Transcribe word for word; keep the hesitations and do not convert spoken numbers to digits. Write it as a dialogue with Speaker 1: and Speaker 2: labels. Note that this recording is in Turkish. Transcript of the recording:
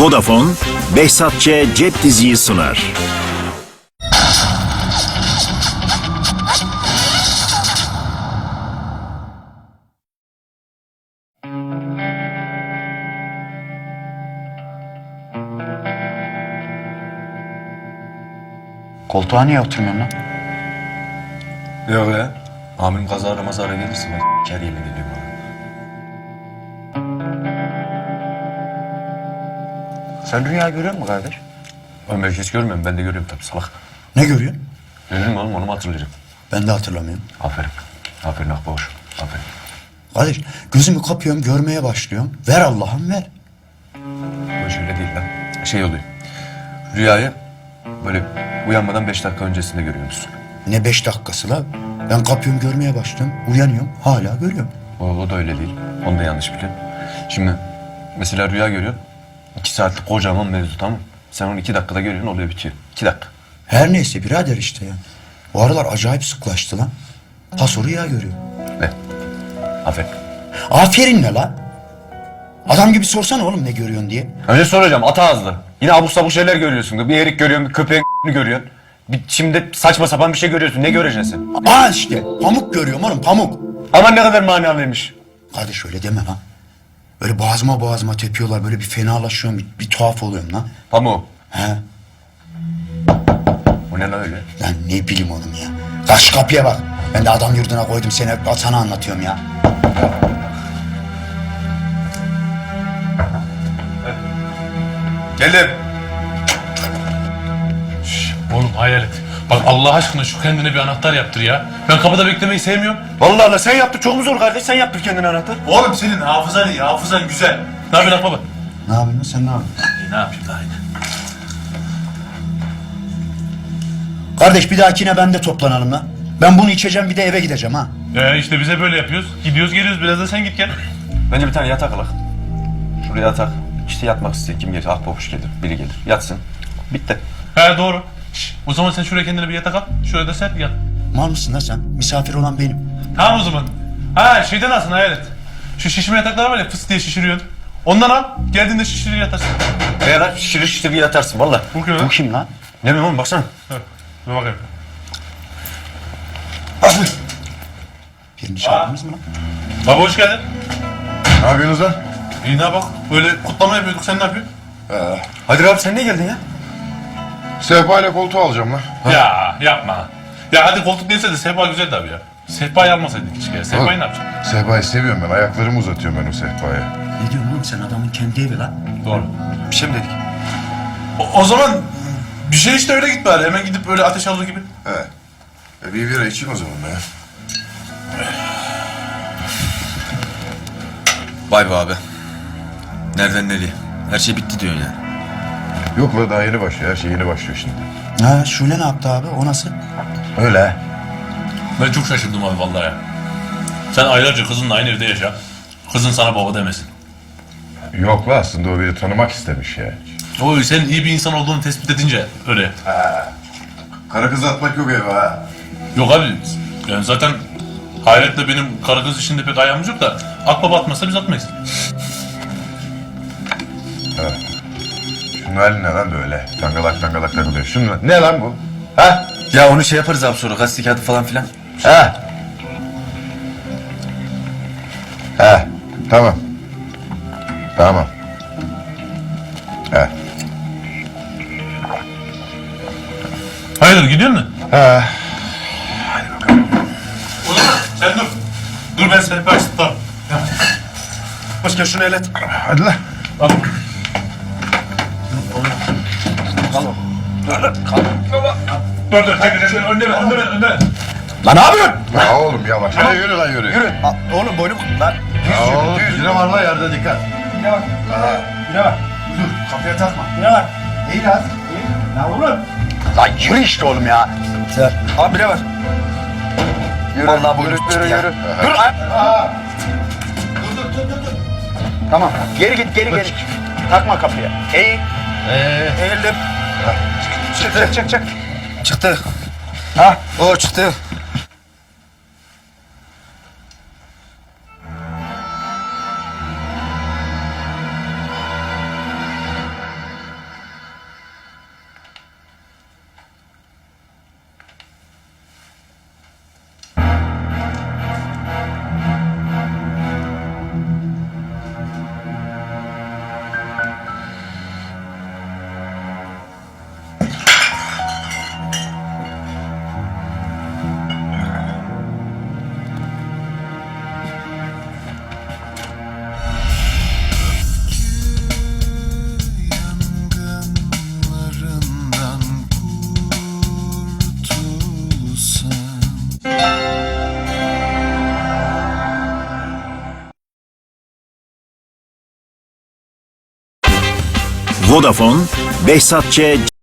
Speaker 1: Vodafone, Behzat Ç. Cep Diziyi sunar.
Speaker 2: Koltuğa niye oturmuyorsun lan?
Speaker 3: Yok ya. Amirim kazara mazara gelirse ben s**ker yemin ediyorum ona.
Speaker 2: Sen rüya görüyor musun kardeş?
Speaker 3: Ben belki hiç görmüyorum. Ben de görüyorum tabii salak.
Speaker 2: Ne görüyorsun?
Speaker 3: Görür mü oğlum onu mu hatırlayacağım?
Speaker 2: Ben de hatırlamıyorum.
Speaker 3: Aferin. Aferin Akbaş. Aferin.
Speaker 2: Kardeş gözümü kapıyorum görmeye başlıyorum. Ver Allah'ım ver.
Speaker 3: Böyle şöyle değil lan. Şey oluyor. Rüyayı böyle uyanmadan beş dakika öncesinde görüyormuşsun.
Speaker 2: Ne beş dakikası la? Ben kapıyorum görmeye başlıyorum. Uyanıyorum hala görüyorum.
Speaker 3: O, o da öyle değil. Onu da yanlış biliyorsun. Şimdi mesela rüya görüyorsun. İki saatlik kocaman mevzu tamam mı? Sen onu iki dakikada görüyorsun oluyor bitiyor. İki dakika.
Speaker 2: Her neyse birader işte ya. Bu aralar acayip sıklaştı lan. Paso rüya görüyor.
Speaker 3: Ne? Aferin.
Speaker 2: Aferin ne la? Adam gibi sorsana oğlum ne görüyorsun diye.
Speaker 3: Önce soracağım ata ağızlı. Yine abuk sabuk şeyler görüyorsun. Bir erik görüyorsun, bir köpeğin görüyorsun. Bir, şimdi saçma sapan bir şey görüyorsun. Ne göreceksin sen?
Speaker 2: Aa işte pamuk görüyorum oğlum pamuk.
Speaker 3: Aman ne kadar manalıymış.
Speaker 2: Kardeş öyle deme lan. Böyle boğazıma boğazıma tepiyorlar. Böyle bir fenalaşıyorum. Bir, bir tuhaf oluyorum lan.
Speaker 3: Pamuğu.
Speaker 2: He?
Speaker 3: O ne lan öyle?
Speaker 2: Lan ne bileyim oğlum ya. Kaç kapıya bak. Ben de adam yurduna koydum seni sana anlatıyorum ya.
Speaker 3: Geldim.
Speaker 4: Oğlum hayalet. Bak Allah aşkına şu kendine bir anahtar yaptır ya. Ben kapıda beklemeyi sevmiyorum.
Speaker 3: Vallahi Allah sen yaptır çok mu zor kardeş? Sen yaptır kendine anahtar.
Speaker 4: Oğlum senin hafızan iyi, hafızan güzel. Ne yapıyorsun baba?
Speaker 2: Ne yapıyorsun sen ne yapıyorsun?
Speaker 4: İyi, ne yapayım daha yine?
Speaker 2: Kardeş bir dahakine ben de toplanalım lan. Ben bunu içeceğim bir de eve gideceğim ha.
Speaker 4: Ee işte bize böyle yapıyoruz. Gidiyoruz geliyoruz biraz da sen git gel.
Speaker 3: Bence bir tane yatak alak. Şuraya yatak. İşte yatmak isteyen kim gelir? Ahbabuş gelir, biri gelir. Yatsın. Bitti.
Speaker 4: He doğru. Şş, o zaman sen şuraya kendine bir yatak al. Şuraya da sen yat.
Speaker 2: Mal mısın lan sen? Misafir olan benim.
Speaker 4: Tamam o zaman. Ha şeyden alsın hayalet. Şu şişme yataklar var ya fıs diye şişiriyorsun. Ondan al. Geldiğinde şişirir yatarsın.
Speaker 3: Veya lan şişirir şişirir yatarsın valla.
Speaker 4: Bu kim
Speaker 2: Bu
Speaker 4: lan?
Speaker 2: kim lan?
Speaker 3: Ne bileyim oğlum baksana.
Speaker 4: Dur, dur bakayım.
Speaker 2: Birini çağırdınız mı lan?
Speaker 4: Baba hoş geldin.
Speaker 5: Ne yapıyorsunuz lan?
Speaker 4: İyi ne bak. Böyle kutlama yapıyorduk. Sen ne yapıyorsun?
Speaker 3: Hadi abi sen niye geldin ya?
Speaker 5: Sehpa ile koltuğu alacağım lan.
Speaker 4: Ya yapma. Ya hadi koltuk değilse de sehpa güzel tabii ya. Sehpayı almasaydık keşke ya. Sehpayı ne yapacaksın?
Speaker 5: Sehpayı seviyorum ben. Ayaklarımı uzatıyorum ben o sehpaya.
Speaker 2: Ne diyorsun oğlum sen adamın kendi evi lan.
Speaker 4: Doğru.
Speaker 3: Bir şey mi dedik?
Speaker 4: O, o zaman bir şey işte öyle git bari. Hemen gidip böyle ateş alır gibi.
Speaker 5: He. E bir bira içeyim o zaman ya.
Speaker 3: Vay be abi. Nereden nereye? Her şey bitti diyorsun yani.
Speaker 5: Yok la daha yeni başlıyor. Her şey yeni başlıyor şimdi.
Speaker 2: Ha Şule ne yaptı abi o nasıl?
Speaker 5: Öyle he.
Speaker 4: Ben çok şaşırdım abi vallahi ya. Sen aylarca kızınla aynı evde yaşa. Kızın sana baba demesin.
Speaker 5: Yok la aslında o beni tanımak istemiş ya.
Speaker 4: O senin iyi bir insan olduğunu tespit edince öyle.
Speaker 5: Kara kızı atmak yok eve ha.
Speaker 4: Yok abi yani zaten Hayret'le benim karı kız işinde pek ayağımız yok da akbaba atmazsa biz atmayız.
Speaker 5: Şunun hali ne lan böyle? Tangalak tangalak takılıyor. Şunun ne lan bu? Ha?
Speaker 3: Ya onu şey yaparız abi sonra gazete kağıdı falan filan.
Speaker 5: Ha? Ha. Tamam. Tamam. Ha.
Speaker 4: Hayırdır gidiyor musun?
Speaker 5: Ha.
Speaker 4: O zaman sen dur. Dur ben seni ben tutarım.
Speaker 3: Başka şunu el et.
Speaker 5: Hadi lan.
Speaker 4: Al. Dur dur çekil çekil önde ver önde ver önde ver.
Speaker 2: Lan ne yapıyorsun?
Speaker 5: Ya oğlum yavaş. Hadi yürü lan yürü. Yürü.
Speaker 2: Oğlum boynum lan.
Speaker 5: Ya oğlum düz yürü var lan yerde dikkat.
Speaker 2: Yine bak. Yine bak. Dur kapıya takma. Yine bak. İyi lan. İyi. Lan oğlum. Lan yürü işte oğlum ya. Sen.
Speaker 3: Abi ne var?
Speaker 2: Yürü. Vallahi boynum
Speaker 5: Yürü yürü yürü.
Speaker 2: Dur. Dur dur dur dur. Tamam. Geri git geri geri. Takma kapıya. Eğil.
Speaker 3: Ee,
Speaker 2: Eğildim. Çık çık çık çık.
Speaker 3: çıktı.
Speaker 2: Ha?
Speaker 3: O çıktı.
Speaker 1: Vodafone, Behzat Ç.